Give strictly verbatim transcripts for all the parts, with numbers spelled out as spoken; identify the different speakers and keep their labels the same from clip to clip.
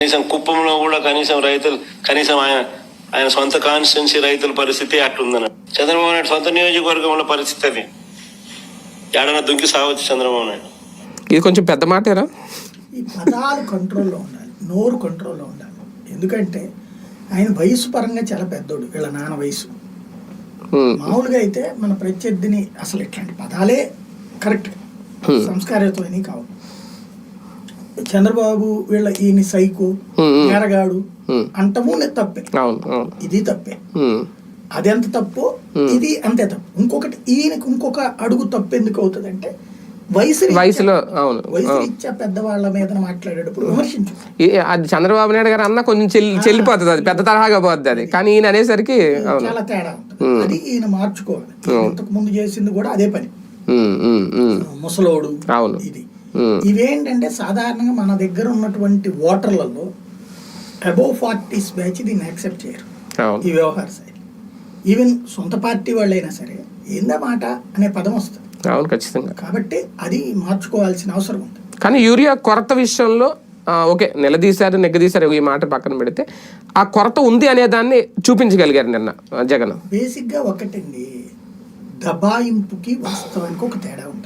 Speaker 1: కనీసం కుప్పంలో కూడా కనీసం రైతులు కనీసం ఆయన ఆయన సొంత కాన్స్టిట్యున్సీ రైతుల పరిస్థితి అట్లుందన్న. చంద్రబాబు నాయుడు సొంత నియోజకవర్గంలో పరిస్థితి అది ఏడన్నా దుంకి సావచ్చు చంద్రబాబు నాయుడు.
Speaker 2: ఇది కొంచెం పెద్ద మాటేరా.
Speaker 3: ఈ పదాలు కంట్రోల్లో ఉండాలి, నోరు కంట్రోల్లో ఉండాలి. ఎందుకంటే ఆయన వయసు పరంగా చాలా పెద్దోడు, వీళ్ళ నాన్న వయసు. మామూలుగా అయితే మన ప్రత్యర్థిని అసలు ఇట్లాంటి పదాలే కరెక్ట్ సంస్కారయుతమైనవి కావు. చంద్రబాబు వీళ్ళ ఈయన సైకు నేరగాడు అంటము తప్పే, ఇది తప్పే. అదెంత తప్పు ఇది అంతే తప్పు. ఇంకొకటి ఈయనకి ఇంకొక అడుగు తప్పు ఎందుకు అవుతుంది అంటే వయసు
Speaker 2: వయసులో
Speaker 3: వయసు ఇచ్చా పెద్దవాళ్ళ మీద మాట్లాడేటప్పుడు విమర్శించు.
Speaker 2: అది చంద్రబాబు నాయుడు గారు అన్న కొంచెం చెల్లిపోతుంది, అది పెద్ద తరహాగా పోతుంది అది. కానీ ఈయన అనేసరికి
Speaker 3: చాలా తేడా ఉంటుంది. అది ఈయన మార్చుకోవాలి. ఇంతకు ముందు చేసింది కూడా అదే పని, ముసలోడు ఇది. ఇవేంటంటే సాధారణంగా మన దగ్గర ఉన్నటువంటి ఓటర్లలో అబోవ్ ఫార్టీస్ బ్యాచ్ దీన్ని యాక్సెప్ట్ చేయరు ఈ వ్యవహార శైలి. ఈవెన్ సొంత పార్టీ వాళ్ళైనా సరే ఏందా మాట అనే పదం వస్తుంది.
Speaker 2: అవును, ఖచ్చితంగా.
Speaker 3: కాబట్టి అది మార్చుకోవాల్సిన అవసరం ఉంది.
Speaker 2: కానీ యూరియా కొరత విషయంలో ఓకే నిలదీశారు నెగ్గదీశారు, ఈ మాట పక్కన పెడితే ఆ కొరత ఉంది అనే దాన్ని చూపించగలిగారు నిన్న జగన్.
Speaker 3: బేసిక్గా ఒకటండి, దబాయింపుకి వాస్తవానికి ఒక తేడా ఉంటుంది.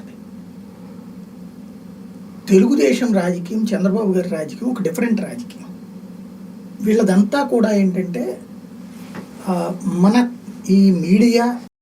Speaker 3: తెలుగుదేశం రాజకీయం, చంద్రబాబు గారి రాజకీయం ఒక డిఫరెంట్ రాజకీయం. వీళ్ళదంతా కూడా ఏంటంటే మన ఈ మీడియా